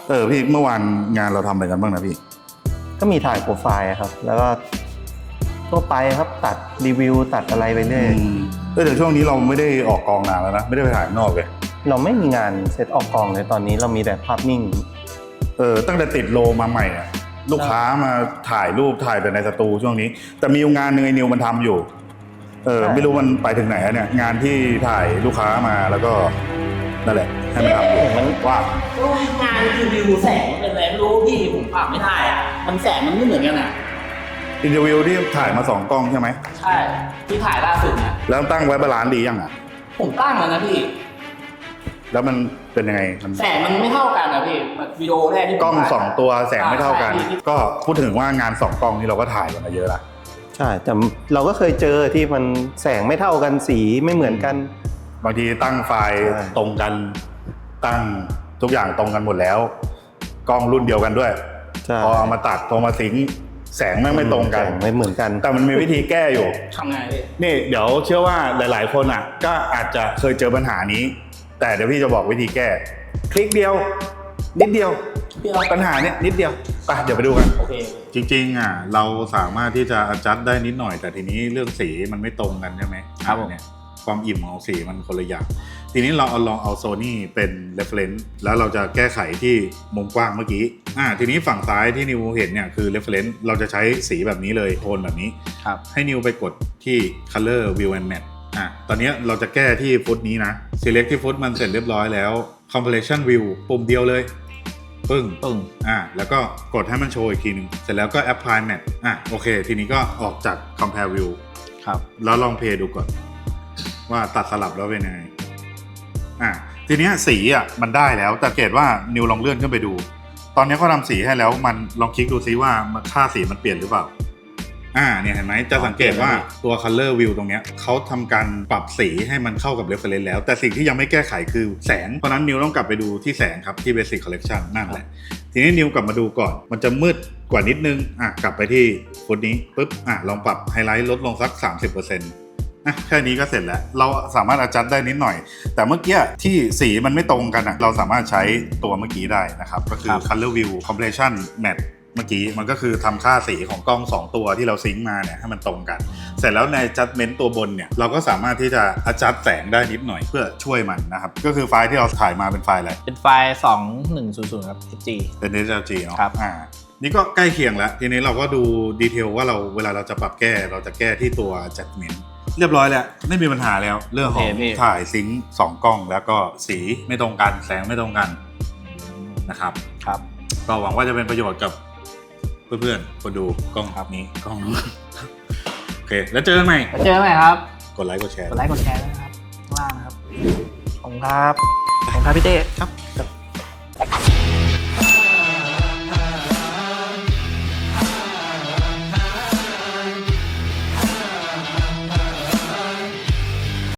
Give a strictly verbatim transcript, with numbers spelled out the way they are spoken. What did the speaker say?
เออพี่เมื่อวานงานเราทำอะไรกันบ้างนะพี่ก็มีถ่ายโปรไฟล์ครับ แล้วก็ทั่วไปครับตัดรีวิวตัดอะไรไปเรื่อยเออเดี๋ยวช่วงนี้เราไม่ได้ออกกองนานแล้วนะไม่ได้ไปถ่ายนอกเลยเราไม่มีงานเซตออกกองเลยตอนนี้เรามีแต่ภาพนิ่งเออตั้งแต่ติดโลมาใหม่อ่ะลูกค้ามาถ่ายรูปถ่ายแต่ในสตูช่วงนี้แต่มีงานหนึ่งไอ้นิวมันทำอยู่เออไม่รู้มันไปถึงไหนเนี่ยงานที่ถ่ายลูกค้ามาแล้วก็นั่นแหละให้มันทำอยู่มันว่างานรีวิวแสงเป็นอะไรไม่รู้พี่ผมปรับไม่ได้อ่ะมันแสงมันไม่เหมือนกันอ่ะอินเทอร์วิวที่ถ่ายมาสองกล้องใช่ไหมใช่ที่ถ่ายล่าสุดนะแล้วตั้งไว้บาลานซ์ดียังอ่ะผมตั้งแล้วนะพี่แล้วมันเป็นยังไงแสงมันไม่เท่ากันนะพี่วิดีโอแรกที่กล้องสองตัวแสงไม่เท่ากันก็พูดถึงว่างานสองกล้องนี่เราก็ถ่ายกันมาเยอะละใช่แต่เราก็เคยเจอที่มันแสงไม่เท่ากันสีไม่เหมือนกันบางทีตั้งไฟล์ตรงกันตั้งทุกอย่างตรงกันหมดแล้วกล้องรุ่นเดียวกันด้วยพอเอามาตัดพอมาสิงแสงไม่ไม่ตรงกันไม่เหมือนกันแต่มันมีวิธีแก้อยู่ทำไงพี่นี่เดี๋ยวเชื่อว่าหลายๆคนอ่ะก็อาจจะเคยเจอปัญหานี้แต่เดี๋ยวพี่จะบอกวิธีแก้คลิกเดียวนิดเดียวปัญหาเนี้ยนิดเดียวไปเดี๋ยวไปดูกันโอเคจริงๆอ่ะเราสามารถที่จะ adjust ได้นิดหน่อยแต่ทีนี้เรื่องสีมันไม่ตรงกันใช่ไหมครับเนี่ยความอิ่มของสีมันคนละอย่างทีนี้เราเอาลองเอา Sony เป็น reference แล้วเราจะแก้ไขที่มุมกว้างเมื่อกี้อ่าทีนี้ฝั่งซ้ายที่นิวเห็นเนี่ยคือ reference เราจะใช้สีแบบนี้เลยโทนแบบนี้ครับให้นิวไปกดที่ color view and matte อ่ะตอนนี้เราจะแก้ที่ฟุตนี้นะ select ที่ฟุตมันเสร็จเรียบร้อยแล้ว compression view ปุ่มเดียวเลยปึ้งปึ้งอ่ะแล้วก็กดให้มันโชว์อีกทีนึงเสร็จแล้วก็ apply matte อ่ะโอเคทีนี้ก็ออกจาก compare view ครับแล้วลองเพลย์ดูก่อนว่าตัดสลับแล้วเป็นยังไงอ่ะทีนี้สีอ่ะมันได้แล้วแต่เกตว่านิวลองเลื่อนขึ้นไปดูตอนนี้เขาทำสีให้แล้วมันลองคลิกดูซิว่าค่าสีมันเปลี่ยนหรือเปล่าอ่าเนี่ยเห็นไหมจะสังเกตว่าตัว color view ตรงเนี้ยเขาทำการปรับสีให้มันเข้ากับ reference แล้วแต่สิ่งที่ยังไม่แก้ไขคือแสงเพราะนั้นนิวต้องกลับไปดูที่แสงครับที่ basic collection นั่นแหละทีนี้นิวกลับมาดูก่อนมันจะมืดกว่านิดนึงอ่ะกลับไปที่ฟุตนี้ปุ๊บอ่ะลองปรับไฮไลท์ลดลงสัก สามสิบเปอร์เซ็นต์นะแค่นี้ก็เสร็จแล้วเราสามารถ adjust ได้นิดหน่อยแต่เมื่อกี้ที่สีมันไม่ตรงกันอ่ะเราสามารถใช้ตัวเมื่อกี้ได้นะครับก็คือ color view compression matte เมื่อกี้มันก็คือทำค่าสีของกล้องสองตัวที่เราซิงค์มาเนี่ยให้มันตรงกันเสร็จแล้วใน adjustment ตัวบนเนี่ยเราก็สามารถที่จะ adjust แสงได้นิดหน่อยเพื่อช่วยมันนะครับก็คือไฟล์ที่เราถ่ายมาเป็นไฟล์อะไรเป็นไฟล์สองพันหนึ่งร้อยครับ เอส จีเป็น เอส แอล จี เนาะครับอ่านี่ก็ใกล้เคียงแล้วทีนี้เราก็ดูดีเทลว่าเราเวลาเราจะปรับแก้เราจะแก้ที่ตัว adjustmentเรียบร้อยแล้วไม่มีปัญหาแล้วเรื่องของถ่ายซิงค์สองกล้องแล้วก็สีไม่ตรงกันแสงไม่ตรงกันนะครับครับก็หวังว่าจะเป็นประโยชน์กับเพื่อนๆคนดูกล้องครับนี้กล้องนู้นโอเคแล้วเจอกันใหม่เจอกันใหม่ครับกดไลค์กดแชร์กดไลค์กดแชร์ด้วยนะครับข้างล่างนะครับขอบคุณครับขอบคุณครับพี่เต้ครับ